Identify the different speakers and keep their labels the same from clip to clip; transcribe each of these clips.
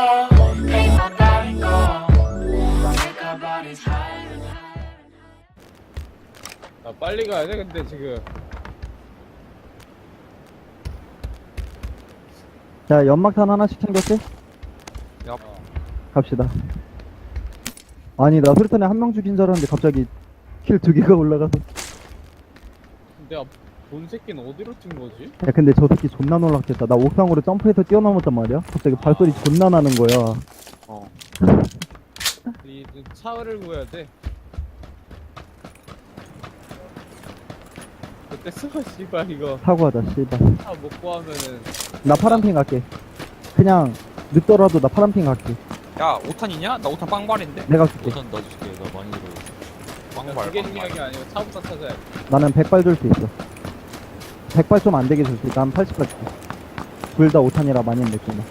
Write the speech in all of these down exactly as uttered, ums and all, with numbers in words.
Speaker 1: Ain't nobody go. Take our bodies higher and higher.
Speaker 2: 나 빨리 가야 돼 근데 지금.
Speaker 3: 자, 연막탄 하나씩 챙겼지?
Speaker 4: 야,
Speaker 3: 갑시다. 아니, 나 수류탄에 한 명 죽인 줄 알았는데 갑자기 킬 두 개가 올라가서.
Speaker 2: 내가 본 새끼는 어디로 뛴 거지?
Speaker 3: 야, 근데 저 새끼 존나 놀랐겠다. 나 옥상으로 점프해서 뛰어넘었단 말이야? 갑자기 발소리 존나 나는 거야.
Speaker 4: 어.
Speaker 2: 이 차를 구해야 돼. 그때 쓰고 씨발 이거
Speaker 3: 사고하자, 씨발.
Speaker 2: 차 못 구하면은
Speaker 3: 나 파란핑 갈게. 그냥 늦더라도 나 파란핑 갈게.
Speaker 4: 야, 오탄이냐? 나 오탄 빵발인데?
Speaker 3: 내가 줄게.
Speaker 5: 우선 넣어줄게. 나 많이 들어.
Speaker 4: 빵발,
Speaker 2: 그게
Speaker 4: 빵발.
Speaker 2: 중요한 게 아니고 차부터 찾아야 돼.
Speaker 3: 나는 백 발 줄 수 있어. 백 발 좀 안 되게 줄 수 있어. 난 팔십 발 줄게. 둘 다 오 탄이라 많이 느낀다.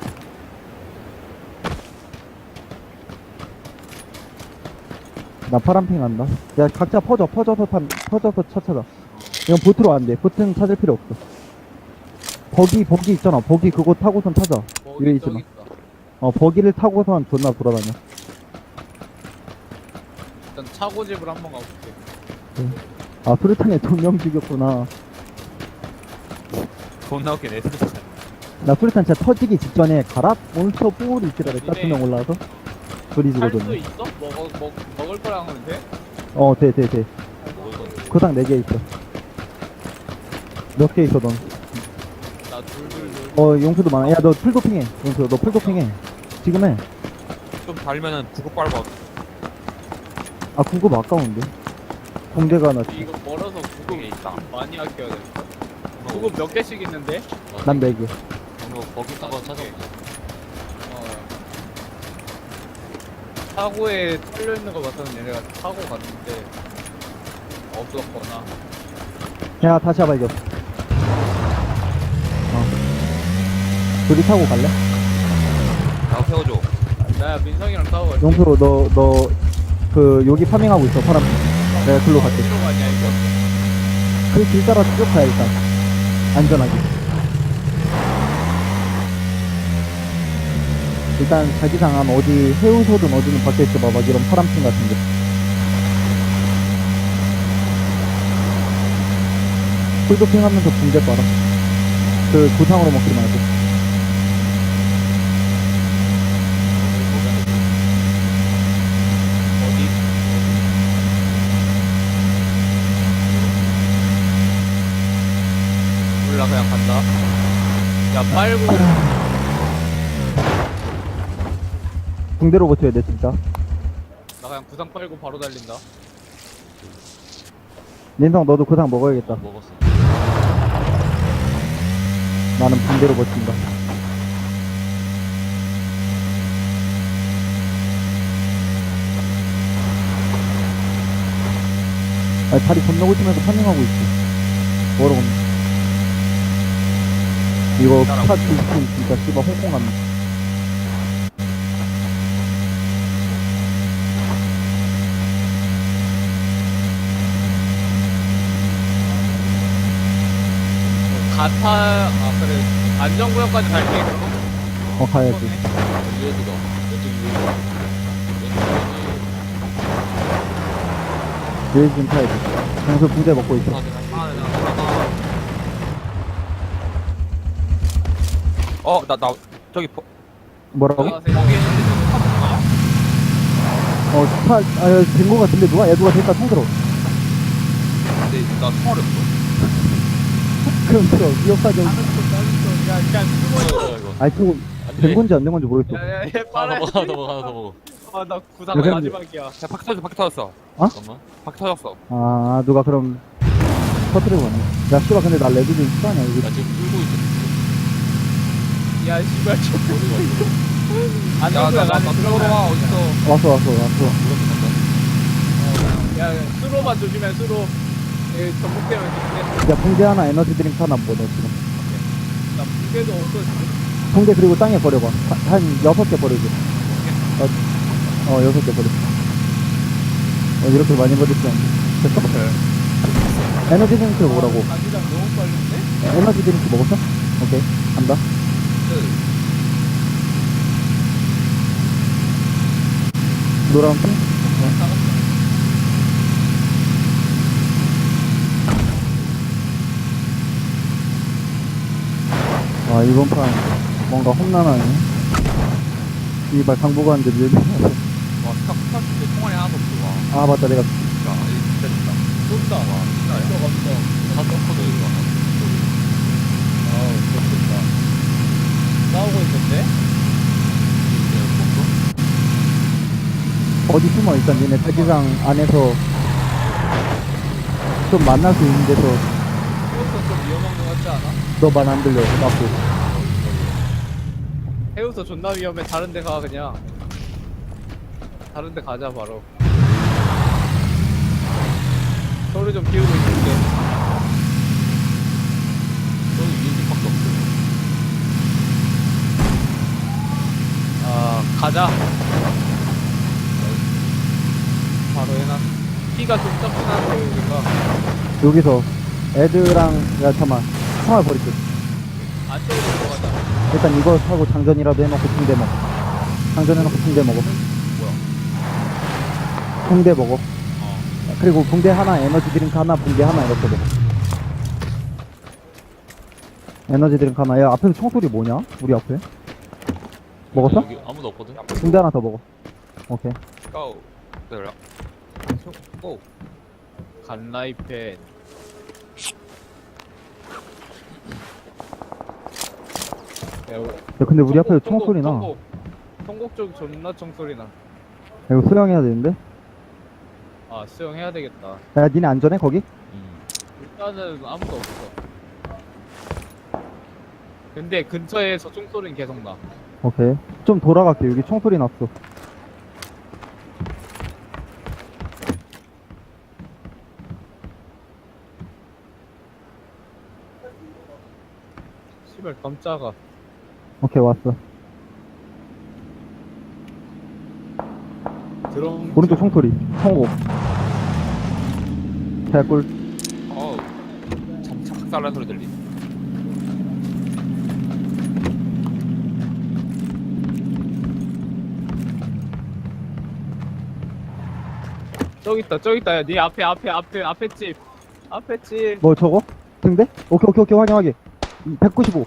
Speaker 3: 나 파란핑 간다. 야, 각자 퍼져, 퍼져서 판, 퍼져서 차 찾아. 이건 보트로 안 돼. 보트는 찾을 필요 없어. 버기, 버기 있잖아. 버기 그거 타고선 찾아.
Speaker 2: 뭐
Speaker 3: 위에 있지
Speaker 2: 저기
Speaker 3: 마.
Speaker 2: 있다.
Speaker 3: 어, 버기를 타고선 존나 돌아다녀.
Speaker 2: 일단 차고집을 한번 가볼게.
Speaker 3: 아, 수류탄에 두 명 죽였구나.
Speaker 4: 존나 웃기네, 진짜.
Speaker 3: 나 수류탄 진짜 터지기 직전에 가라? 몬스터 뿔이 있으라 그랬다. 두 명 올라와서. 둘이
Speaker 2: 살 수
Speaker 3: 죽어줬네.
Speaker 2: 있어? 먹어 먹 먹을 거랑 하면 돼?
Speaker 3: 어, 돼, 돼, 돼. 구상 네 개 있어. 몇 개 있어, 넌?
Speaker 2: 나 둘둘둘.
Speaker 3: 어, 용수도 많아. 야, 너 풀도핑해. 용수, 너 풀도핑해. 지금 해.
Speaker 4: 좀 달면은 구급 빨고 왔어.
Speaker 3: 아, 구급 아까운데. 공대가 하나.
Speaker 2: 이거 멀어서 구급
Speaker 4: 이게 있다.
Speaker 2: 많이 아껴야 돼. 구급 몇 개씩 있는데?
Speaker 3: 난 네 개.
Speaker 5: 이거 거기 타고 찾아보자.
Speaker 2: 어. 차고에 털려 있는 거 봤더니 얘네가 타고 갔는데 없었거나.
Speaker 3: 야, 다시 발견. 어. 둘이 타고 갈래?
Speaker 4: 나 세워줘.
Speaker 2: 나 민성이랑 타고 갈게.
Speaker 3: 용수, 너, 너, 그, 여기 파밍하고 있어, 파란. 내가 글로 갈게.
Speaker 2: 어디로 가냐 이거?
Speaker 3: 그 길 따라 쭉 가야 일단. 안전하게. 일단 자기장 한 어디 해우소든 어디는 박혀있어 봐. 막 이런 파란핑 같은데. 풀도핑 하면서 붕대 빨아. 그 구상으로 먹지 말고.
Speaker 2: 어디? 몰라 그냥 간다. 야 빨고
Speaker 3: 붕대로 버텨야 돼 진짜.
Speaker 2: 나 그냥 구상 빨고 바로 달린다.
Speaker 3: 민성 너도 구상 먹어야겠다.
Speaker 5: 먹었어.
Speaker 3: 나는 붕대로 버틴다. 아니 다리 건너고 있으면서 파밍하고 있어. 뭐라고 이거 차 뒤집힌 진짜 씨발 홍콩 같네.
Speaker 2: 가타 아 그래 안전구역까지 갈게 그럼.
Speaker 3: 어 가야지.
Speaker 5: 유에드가. 왼쪽 유에드가.
Speaker 3: 유해진 좀 타야지. 장소 붕대 먹고 있어.
Speaker 4: 어, 나, 나, 저기, 버-
Speaker 3: 뭐라고?
Speaker 2: 여기 있는데 좀 타볼까?
Speaker 3: 어 차, 아, 된 거 같은데 누가? 야 누가 됐다 총 들어.
Speaker 4: 근데 나 총알이 없어.
Speaker 3: 그럼 들어. 기억사정.
Speaker 2: 다른 쪽 다른 쪽야 그냥 숨어
Speaker 5: 뭐야 이거.
Speaker 3: 아니 그거 된 건지 안 된 건지 모르겠어.
Speaker 2: 야야야
Speaker 5: 하나
Speaker 2: 빨아.
Speaker 5: 더 먹어, 하나 더 먹어, 하나 더 먹어.
Speaker 2: 아나 구상
Speaker 3: 여기
Speaker 2: 마지막이야.
Speaker 4: 야, 바퀴 터졌어, 바퀴 터졌어.
Speaker 5: 잠깐만.
Speaker 4: 바퀴 터졌어.
Speaker 3: 아 누가 그럼 터트리고 왔네. 야 씨발 근데 나 레드 좀 싫어하냐 이거.
Speaker 5: 나 지금 끌고 있어.
Speaker 2: 야 씨발 저
Speaker 5: 어디가 있어?
Speaker 2: 안
Speaker 4: 야,
Speaker 2: 나오고
Speaker 4: 나, 나,
Speaker 2: 나가네
Speaker 4: 나
Speaker 2: 들어가.
Speaker 4: 들어와, 어딨어.
Speaker 3: 왔어 왔어 왔어.
Speaker 5: 이렇게 간다.
Speaker 2: 야 수로만 조심해 수로. 여기 전복되면 조심해.
Speaker 3: 야 붕대 하나 에너지 드링크 하나 먹어 너 지금.
Speaker 2: 나 무게도 없어 지금.
Speaker 3: 붕대 그리고 땅에 버려봐. 한, 한 여섯 개 버려줘. 어, 어 여섯 개 버려. 어 이렇게 많이 버릴 줄 알았네. 됐어? 에너지 드링크 먹으라고.
Speaker 2: 자기장 너무 빨린데?
Speaker 3: 에너지 드링크 먹었어? 오케이 간다. 노란 핑? 아, 이번 판 뭔가 험난하네. 이발 당부관인데 밀네.
Speaker 4: 와 스카 스카 근데 총알이 하나도 없어. 와
Speaker 3: 아, 맞다. 내가
Speaker 4: 진짜 진짜 진짜.
Speaker 5: 쏜다. 와, 진짜 감성. 다 떴거든, 이거.
Speaker 2: 아우 좋겠다. 싸우고 있는데?
Speaker 3: 어디 숨어. 일단 니네 자기장 안에서 좀 만날 수 있는 데서
Speaker 2: 해우서 좀 위험한 거 같지 않아?
Speaker 3: 너 말 안 들려. 맞고.
Speaker 2: 해우서 존나 위험해. 다른 데 가 그냥. 다른 데 가자 바로. 소리 좀 비우고 있을게.
Speaker 5: 저기 유인집밖에 없어요.
Speaker 2: 아 가자. 바로 해놔. 키가 좀 점프나는 여기가.
Speaker 3: 여기서 애들랑, 야, 잠깐만. 총알 버릴게.
Speaker 2: 안쪽으로 들어가자.
Speaker 3: 일단 이거 사고 장전이라도 해놓고 붕대 먹어. 장전해놓고 붕대 먹어. 붕대 먹어. 그리고 붕대 하나, 에너지 드링크 하나, 붕대 하나 이렇게 먹어. 에너지 드링크 하나. 야, 앞에서 총소리 뭐냐? 우리 앞에? 먹었어?
Speaker 5: 여기 아무도 없거든?
Speaker 3: 붕대 하나 더 먹어. 오케이.
Speaker 4: 고. 내려. 고.
Speaker 2: 간라이펜. 야,
Speaker 3: 야, 근데 우리 앞에서 총소리 나. 야,
Speaker 2: 통곡, 통곡 쪽 존나 총소리 나.
Speaker 3: 이거 수영해야 되는데?
Speaker 2: 아 수영해야 되겠다.
Speaker 3: 야, 니네 안전해, 거기?
Speaker 5: 음.
Speaker 2: 일단은 아무도 없어. 근데 근처에서 총소리는 계속 나.
Speaker 3: 오케이. 좀 돌아갈게. 여기 총소리 났어.
Speaker 2: 씨발 깜짝아.
Speaker 3: 오케이, 왔어.
Speaker 2: 드럼.
Speaker 3: 오른쪽 총소리. 총고. 개꿀.
Speaker 4: 어우. 참참 삭살난 소리 들리.
Speaker 2: 저기 있다 저기 있다. 야, 네 앞에 앞에 앞에 앞에 집. 앞에 집.
Speaker 3: 뭐 저거? 등대? 오케이, 오케이, 오케이. 확인, 확인. 백구십오.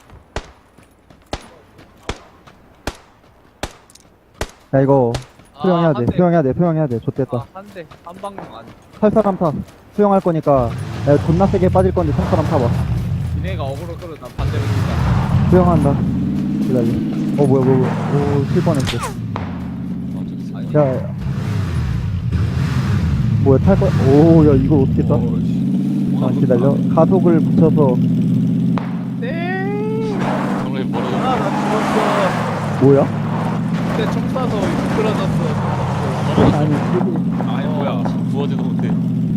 Speaker 3: 야, 이거 수영해야 돼. 수영해야 돼. 수영해야 돼. 좋됐다.
Speaker 2: 아, 한 대. 한 방향 안.
Speaker 3: 살 사람 타. 수영할 거니까. 야, 존나 세게 빠질 건데 살 사람 타봐.
Speaker 2: 니네가 어그로 끌어. 난 반대로 진다.
Speaker 3: 수영한다. 기다려. 어, 뭐야, 뭐야, 뭐야. 오, 칠 뻔했어.
Speaker 5: 아, 저기 있어.
Speaker 2: 아니,
Speaker 3: 야, 야. 뭐야, 탈 거? 오, 야, 이걸 어떻게 따? 아, 기다려. 가속을 붙여서.
Speaker 2: 네.
Speaker 5: 정말 멀어져.
Speaker 2: 아, 나
Speaker 3: 뭐야?
Speaker 2: 죽었어. 근데 총 쏴서 미끄러졌어.
Speaker 3: 아니, 이게-
Speaker 2: 아니 뭐야.
Speaker 5: 부어지도 못해.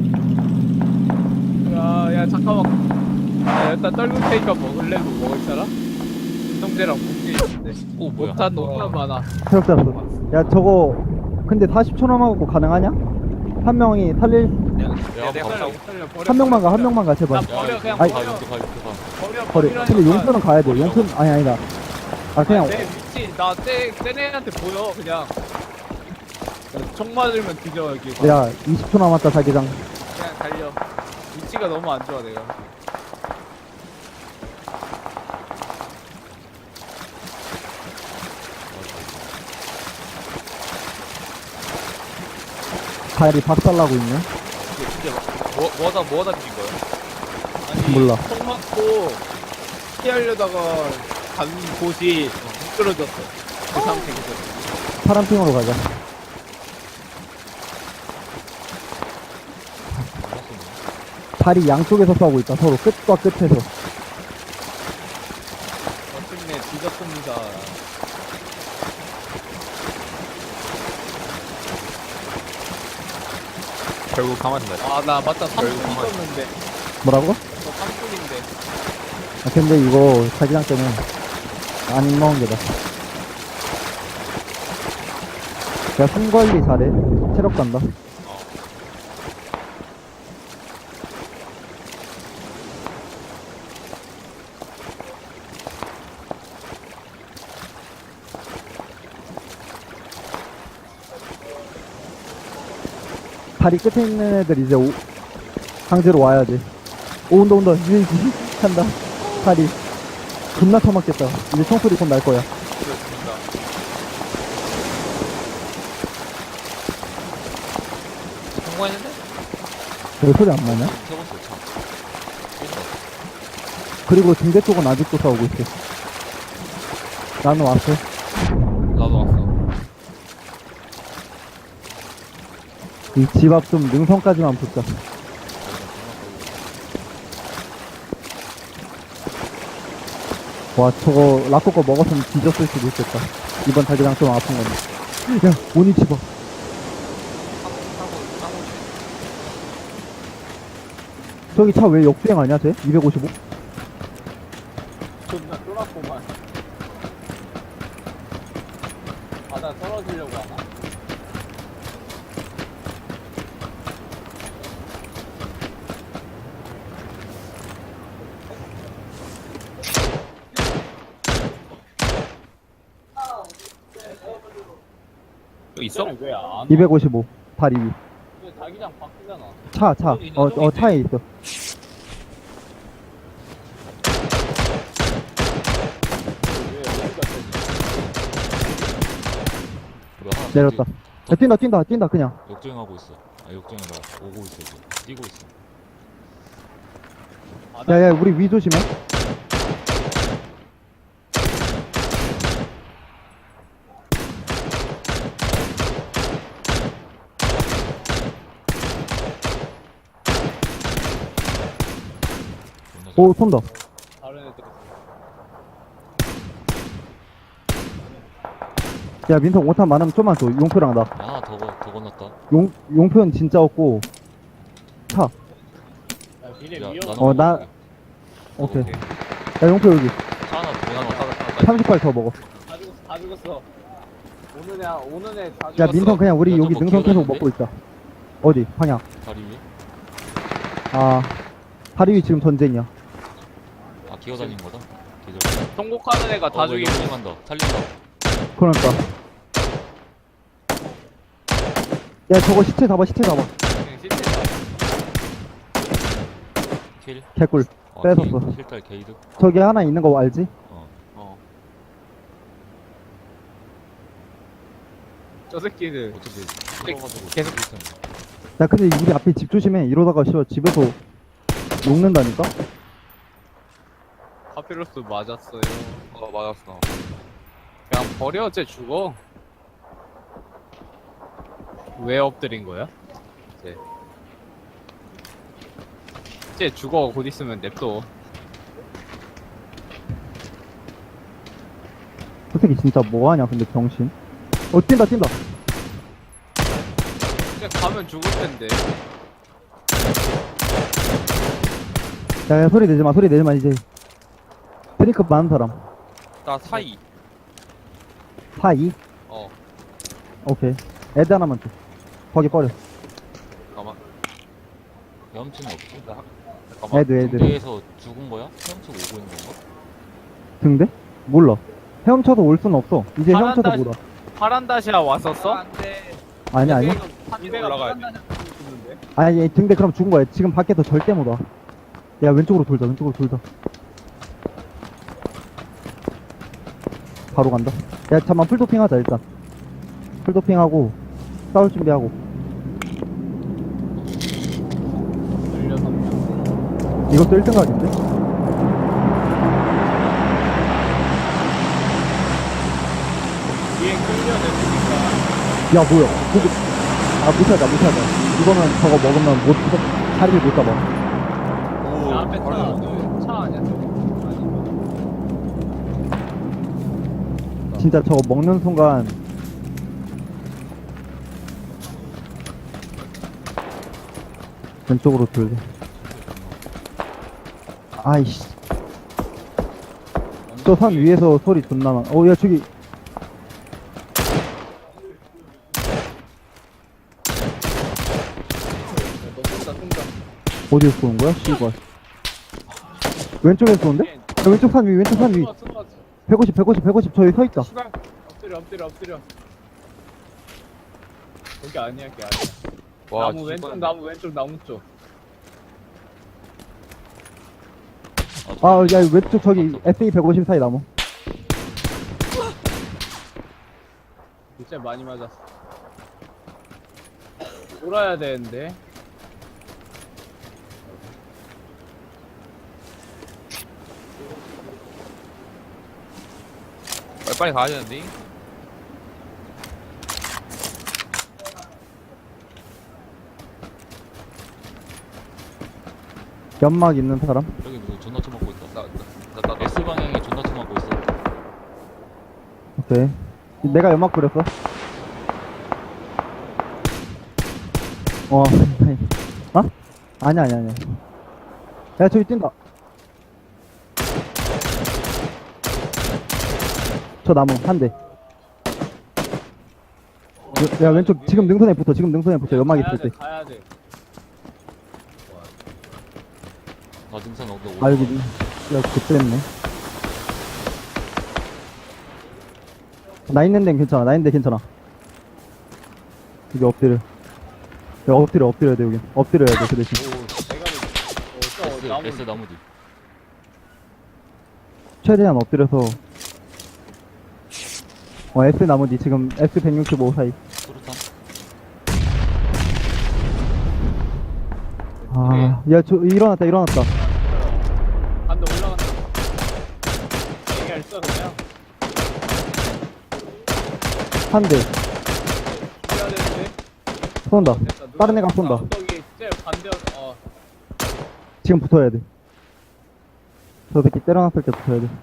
Speaker 2: 야, 야 잠깐만. 야, 일단 떨굴 테니까 먹을래? 뭐 먹을 사람? 운동제랑 공기 있는데.
Speaker 5: 오, 뭐야.
Speaker 2: 못한 너무 많아.
Speaker 3: 체력 잡았어. 야, 저거, 근데 사십 초 남아갖고 가능하냐? 한 명이 살릴,
Speaker 4: 내가
Speaker 5: 야,
Speaker 4: 내가
Speaker 2: 살려,
Speaker 4: 갑자기
Speaker 2: 살려, 버려,
Speaker 3: 한 명만 가,
Speaker 2: 버려,
Speaker 3: 한 명만 가, 제발.
Speaker 2: 나 버려, 그냥
Speaker 3: 아이.
Speaker 5: 가,
Speaker 2: 버려.
Speaker 5: 용태 가, 용태 가.
Speaker 2: 버려,
Speaker 3: 버려.
Speaker 2: 버리라니까.
Speaker 3: 근데 용표는 가야 돼. 용표, 아니, 아니다. 아, 그냥,
Speaker 2: 내 위치, 나 쟤, 쟤네한테 보여, 그냥. 야, 총 맞으면 뒤져, 여기.
Speaker 3: 야, 이십 초 남았다, 자기장.
Speaker 2: 그냥 달려. 위치가 너무 안 좋아, 내가.
Speaker 3: 발이 박살나고 있네.
Speaker 4: 이게 진짜 막 뭐, 뭐하다 뭐하다 죽인 거야?
Speaker 2: 아니,
Speaker 3: 몰라.
Speaker 2: 총 맞고, 피하려다가 간 곳이 미끄러졌어. 그 상태에서.
Speaker 3: 파란핑으로 가자. 발이 양쪽에서 싸우고 있다, 서로. 끝과 끝에서.
Speaker 2: 어쨌네, 뒤졌습니다.
Speaker 4: 결국 가만히 있네.
Speaker 2: 아, 나 맞다. 삼 분
Speaker 4: 결국 가만히
Speaker 2: 있었는데.
Speaker 3: 뭐라고?
Speaker 2: 저 삼 분인데.
Speaker 3: 아, 근데 이거 자기장 때문에 안 먹은 게다. 야, 숨 관리 잘해. 체력 간다. 다리 끝에 있는 애들 이제 오, 강제로 와야 돼. 오, 온다, 온다. 이제, 이제, 간다. 다리. 존나 처맞겠다. 이제 총소리 곧 날 거야.
Speaker 4: 그렇습니다. 성공했는데?
Speaker 3: 왜 소리 안 나냐?
Speaker 5: 세 번째 차. 쏜다.
Speaker 3: 그리고 등대 쪽은 아직도 싸우고 있어. 나는 왔어.
Speaker 4: 나도 왔어.
Speaker 3: 이 집 앞 좀 능선까지만 붙자. 와, 저거 라코 거 먹었으면 뒤졌을 수도 있겠다. 이번 자기장 좀 아픈 건데. 야, 오니치 봐. 저기 차 왜 역주행하냐, 쟤? 이백오십오?
Speaker 2: 존나 쫄았구만. 바다 떨어지려고 하나?
Speaker 4: 여기 있어?
Speaker 2: 왜안
Speaker 3: 이백오십오. 다리 위.
Speaker 2: 자기장 바뀌잖아.
Speaker 3: 차, 차. 어, 어, 차에 있어.
Speaker 5: 우리 하나
Speaker 3: 내렸다. 야, 뛴다, 뛴다, 뛴다, 그냥.
Speaker 5: 역주행하고 있어. 아, 역주행이라 오고 있어, 이제. 뛰고 있어.
Speaker 3: 야, 야, 우리 위 조심해.
Speaker 5: 존나 잘-
Speaker 3: 오, 쏜다.
Speaker 2: 다른 애들.
Speaker 3: 야, 민성 오 탄 많으면 좀만 줘. 용표랑 나.
Speaker 5: 야, 하나 더, 건- 더 건넜다.
Speaker 3: 용, 용표는 진짜 없고. 차.
Speaker 2: 야, 미래
Speaker 5: 야,
Speaker 2: 위험.
Speaker 5: 나는
Speaker 3: 어, 나-
Speaker 5: 먹을게.
Speaker 3: 오케이. 야, 용표 여기.
Speaker 5: 차 하나 더 하나 더.
Speaker 3: 삼십 발 더 먹어.
Speaker 2: 다 죽었어, 다 죽었어. 오는 애, 오는 애다
Speaker 3: 야,
Speaker 2: 죽었어.
Speaker 3: 민성 그냥 우리
Speaker 5: 야,
Speaker 3: 여기
Speaker 5: 저거
Speaker 3: 능선 계속
Speaker 5: 기어다니는데?
Speaker 3: 먹고 있자. 어디? 방향.
Speaker 5: 다리 위에?
Speaker 3: 아, 다리 위 지금 전쟁이야.
Speaker 5: 아, 기어다닌 거다? 계절.
Speaker 2: 통곡하는 애가 다
Speaker 5: 어,
Speaker 2: 죽이고.
Speaker 5: 역주행한다. 살린다.
Speaker 3: 그러니까. 야, 저거 시체 잡아, 시체 잡아.
Speaker 2: 그냥 시체다.
Speaker 5: 킬.
Speaker 3: 개꿀.
Speaker 5: 아,
Speaker 3: 뺏었어.
Speaker 5: 게이- 킬딸 게이드.
Speaker 3: 저기 하나 있는 거 알지?
Speaker 5: 어.
Speaker 2: 어. 저 새끼들.
Speaker 5: 어차피
Speaker 2: 네,
Speaker 5: 풀어가지고
Speaker 2: 계속-
Speaker 5: 비슷한
Speaker 3: 야, 근데 우리 앞에 집 조심해. 이러다가 씨발 집에서 녹는다니까?
Speaker 2: 파피루스 맞았어요.
Speaker 4: 어, 맞았어.
Speaker 2: 그냥 버려, 쟤 죽어. 왜 엎드린 거야? 쟤. 쟤 죽어, 곧 있으면 냅둬.
Speaker 3: 저 새끼 진짜 뭐하냐, 근데 병신. 어, 뛴다, 뛴다.
Speaker 2: 그냥 가면 죽을 텐데.
Speaker 3: 야, 야, 소리 내지 마, 소리 내지 마, 이제. 드링크 많은 사람.
Speaker 4: 나 사이.
Speaker 3: 사이?
Speaker 4: 어,
Speaker 3: 오케이. 애드 하나만 줘. 거기 버려.
Speaker 4: 잠깐만.
Speaker 5: 헤엄치는 없지?
Speaker 4: 잠깐만.
Speaker 3: 애드, 애드.
Speaker 5: 군대에서 죽은 거야? 헤엄치고 오고 있는 건가?
Speaker 3: 등대? 몰라. 헤엄쳐서 올 수는 없어. 이제
Speaker 2: 파란
Speaker 3: 헤엄쳐서
Speaker 2: 다시-
Speaker 3: 못 와.
Speaker 2: 파란다시아 왔었어?
Speaker 3: 아니, 아니.
Speaker 2: 등대가
Speaker 4: 올라가야 돼.
Speaker 2: 파란다시아 죽는데?
Speaker 3: 아니, 얘 등대 그럼 죽은 거야. 지금 밖에서 절대 못 와. 야, 왼쪽으로 돌자, 왼쪽으로 돌자. 바로 간다. 야, 잠깐만, 풀도핑 하자, 일단. 풀도핑하고, 싸울 준비하고.
Speaker 2: 열여섯 명.
Speaker 3: 이것도 일 등 각인데?
Speaker 2: 뒤에 끌려내니까.
Speaker 3: 야, 뭐야. 보고, 아, 무시하자, 무시하자. 이거는 저거 먹으면 못, 자리를 못 잡아.
Speaker 4: 오,
Speaker 2: 야, 앞에 차,
Speaker 4: 바로
Speaker 2: 그 차 아니야, 저거? 아니.
Speaker 3: 진짜 저거 먹는 순간, 왼쪽으로 돌자. 아이씨. 저 산 위에서 소리 존나 많아. 어, 야, 저기.
Speaker 2: 너 쏜다, 쏜다.
Speaker 3: 어디에서 쏘는 거야? 씨발. 왼쪽에서 쏘는데? 야, 왼쪽 산 위, 왼쪽 산 위.
Speaker 2: 쏜다, 쏜다.
Speaker 3: 백오십, 백오십, 백오십. 저기 서 있다.
Speaker 2: 씨발. 엎드려, 엎드려, 엎드려. 여기 아니야, 걔 아니야.
Speaker 4: 와,
Speaker 2: 나무 왼쪽
Speaker 4: 뒷반-
Speaker 2: 나무 왼쪽 나무 쪽.
Speaker 3: 아, 야, 왼쪽 저기 에스이 백오십 사이 나무.
Speaker 2: 진짜 많이 맞았어. 돌아야 되는데.
Speaker 4: 빨리 빨리 가야 되는데.
Speaker 3: 연막 있는 사람?
Speaker 5: 여기 누구 존나 쳐맞고 있다.
Speaker 4: 나나나 나,
Speaker 5: S 방향에 존나 쳐맞고 있어.
Speaker 3: 오케이. 내가 연막 뿌렸어. 어, 어? 아니야, 아니야, 아니야. 야, 저기 뛴다. 저 나무, 한 대. 야, 야, 왼쪽, 지금 능선에 붙어, 지금 능선에 붙어, 연막
Speaker 2: 가야
Speaker 3: 있을
Speaker 2: 돼,
Speaker 3: 때.
Speaker 2: 가야 돼.
Speaker 5: 나 등산 어디
Speaker 3: 아, 여기, 야, 그랬네. 나 있는 데는 괜찮아, 나 있는 데 괜찮아. 여기 엎드려. 야, 엎드려, 엎드려야 돼, 여기. 엎드려야 돼, 그 대신.
Speaker 5: 오,
Speaker 2: 내가 어, 저
Speaker 5: S,
Speaker 2: 나무
Speaker 5: S 나무 뒤.
Speaker 3: 최대한 엎드려서. 어, S 나머지, 지금 S 백육십오 사이.
Speaker 5: 수류탄.
Speaker 3: 아, 야, 저, 일어났다, 일어났다.
Speaker 2: 간다 올라간다. 얘기할 써 그냥.
Speaker 3: 한 대.
Speaker 2: 뛰어야 되는데.
Speaker 3: 쏜다.
Speaker 2: 됐다. 누가
Speaker 3: 다른 애가
Speaker 2: 됐다.
Speaker 3: 쏜다.
Speaker 2: 언덕이 제 반대 어.
Speaker 3: 지금 붙어야 돼. 저 새끼 때려놨을 때 붙어야 돼.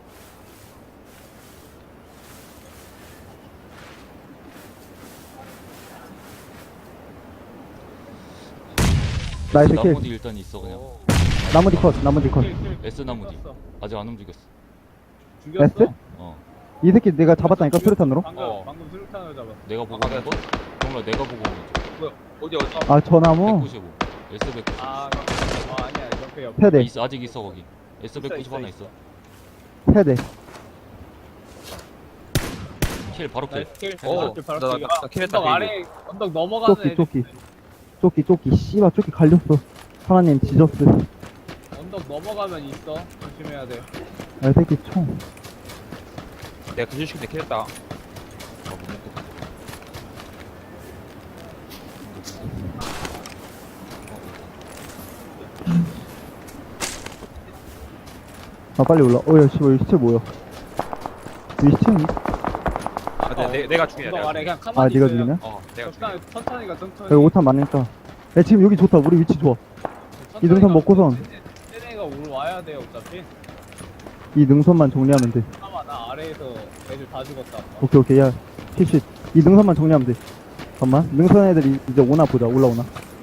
Speaker 3: 나이스 킬.
Speaker 5: 나무 뒤 일단 있어 그냥.
Speaker 3: 나머지 컷, 나머지 컷.
Speaker 2: 킬, 킬, 킬.
Speaker 5: S 나무 뒤.
Speaker 2: 죽였어.
Speaker 5: 아직 안 움직였어.
Speaker 2: 죽였어?
Speaker 3: S?
Speaker 5: 어.
Speaker 3: 이 새끼 내가 잡았다니까, 수류탄으로?
Speaker 2: 방금
Speaker 4: 어.
Speaker 2: 방금 수류탄으로 잡았어.
Speaker 5: 내가 보고
Speaker 4: 아,
Speaker 5: 있는 거? 정말 내가 보고 있는 거.
Speaker 4: 어디 어디.
Speaker 3: 아, 저 나무?
Speaker 5: 백구십오. S 백구십오.
Speaker 2: 아, 아 아니야 옆에 옆에.
Speaker 3: 세대,
Speaker 5: 있어, 아직 있어 거기. S 백구십
Speaker 2: 있어,
Speaker 5: 하나
Speaker 2: 있어.
Speaker 5: 있어.
Speaker 3: 세대.
Speaker 5: 킬 바로 킬.
Speaker 2: 나이스 킬.
Speaker 4: 어,
Speaker 2: 바로 킬, 바로
Speaker 4: 나- 나-
Speaker 2: 킬.
Speaker 4: 나 킬했다,
Speaker 2: 언덕
Speaker 4: 베이비.
Speaker 2: 아래 언덕 넘어가는
Speaker 3: 조끼,
Speaker 2: 애들
Speaker 3: 조끼. 조끼, 조끼. 씨발, 조끼 갈렸어. 하나님, 지저스.
Speaker 2: 언덕 넘어가면 있어. 조심해야 돼.
Speaker 3: 아, 이 새끼 총.
Speaker 4: 내가 기술시킨 데 킬했다.
Speaker 5: 아, 못 먹겠다.
Speaker 3: 아, 빨리 올라. 어, 야, 씨발, 이 시체 뭐야? 이 시체는?
Speaker 4: 아, 내, 내, 내가 죽이냐.
Speaker 2: 언덕
Speaker 4: 내가
Speaker 2: 아래
Speaker 4: 죽이냐.
Speaker 2: 그냥 가만히
Speaker 4: 아,
Speaker 3: 아, 네가
Speaker 2: 있어요.
Speaker 3: 죽이냐?
Speaker 4: 어, 내가 죽이냐.
Speaker 2: 적당히 천천히 가 천천히.
Speaker 3: 여기 오탄 많으니까. 야, 지금 여기 좋다. 우리 위치 좋아.
Speaker 2: 천천히
Speaker 3: 이 능선
Speaker 2: 가.
Speaker 3: 먹고선.
Speaker 2: 쟤네가 오늘 와야 돼 어차피.
Speaker 3: 이 능선만 정리하면 돼.
Speaker 2: 아마 나 아래에서 애들 다 죽었다. 아까.
Speaker 3: 오케이, 오케이. 야, 티쉿. 이 능선만 정리하면 돼. 잠깐만. 능선 애들이 이제 오나 보자. 올라오나.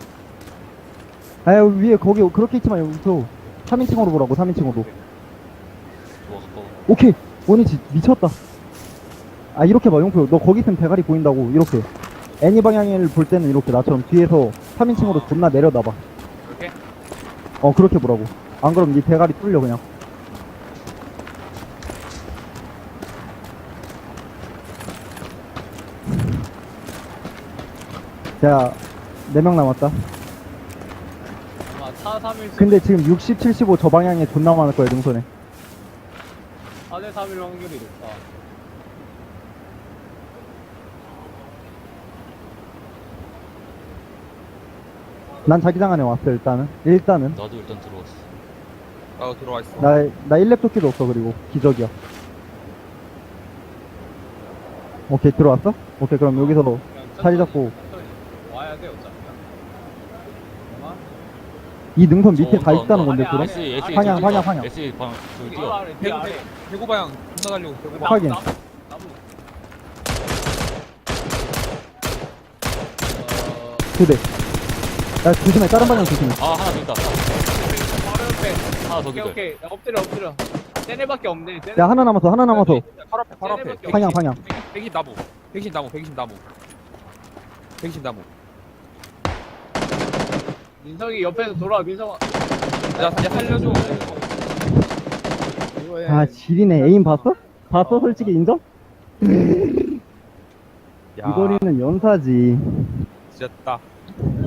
Speaker 3: 아, 여기 위에, 거기, 그렇게 있지만 여기서 삼 인칭으로 보라고, 삼 인칭으로.
Speaker 5: 좋아 가까워.
Speaker 3: 오케이. 원위치 미쳤다. 아, 이렇게 봐, 용표. 너 거기 있으면 대가리 보인다고. 이렇게. 애니 방향을 볼 때는 이렇게 나처럼 뒤에서 삼 인칭으로 존나 내려놔봐.
Speaker 4: 이렇게?
Speaker 3: 어, 그렇게 보라고. 안 그럼 네 대가리 뚫려, 그냥. 자, 네 명 남았다.
Speaker 2: 아마 사 삼일
Speaker 3: 근데 지금 육십, 칠십오 저 방향에 존나 많을 거야, 능선에.
Speaker 2: 사 대 삼일 확률이 높다.
Speaker 3: 난 자기장 안에 왔어, 일단은. 일단은.
Speaker 5: 나도 일단 들어왔어.
Speaker 4: 나 들어와 있어.
Speaker 3: 나, 나 일 렙 조끼도 없어, 그리고. 기적이야. 오케이, 들어왔어? 오케이, 그럼 여기서
Speaker 2: 그냥
Speaker 3: 자리
Speaker 2: 천천히,
Speaker 3: 잡고.
Speaker 2: 천천히 와야 돼 어차피. 엄마?
Speaker 3: 이 능선 밑에
Speaker 5: 저
Speaker 3: 다
Speaker 5: 언더,
Speaker 3: 있다는
Speaker 5: 언더.
Speaker 3: 건데,
Speaker 2: 아니,
Speaker 3: 그럼?
Speaker 2: 아니,
Speaker 5: S S
Speaker 3: 방향, 방향, 방향.
Speaker 5: S 방 저기
Speaker 2: 이거
Speaker 5: 뛰어.
Speaker 2: 아래 뒤
Speaker 4: 대구,
Speaker 2: 아래.
Speaker 4: 대구 방향 존나 가려고. 대구 방향.
Speaker 3: 확인.
Speaker 2: 나무, 나무. 어,
Speaker 3: 두 대. 야, 조심해, 다른 방향 조심해.
Speaker 5: 아 하나 더 있다.
Speaker 2: 바로 옆에.
Speaker 5: 하나 더
Speaker 2: 오케이
Speaker 5: 기절.
Speaker 2: 오케이. 야, 엎드려 엎드려. 쟤네밖에 없네. 쟤네.
Speaker 3: 야, 하나 남았어, 하나 남았어.
Speaker 4: 바로 앞에, 바로 앞에.
Speaker 2: 쟤네밖에
Speaker 3: 방향,
Speaker 2: 없네.
Speaker 3: 방향.
Speaker 4: 백이십 나무. 백이십 나무, 백이십 나무. 백이십 나무.
Speaker 2: 민석이 옆에서 돌아. 민석아.
Speaker 4: 야, 이제 살려줘.
Speaker 2: 이거에
Speaker 3: 아, 지리네. 에임 봤어? 봤어, 솔직히 인정?
Speaker 4: 야,
Speaker 3: 이 거리는 연사지.
Speaker 4: 지렸다.
Speaker 3: 어.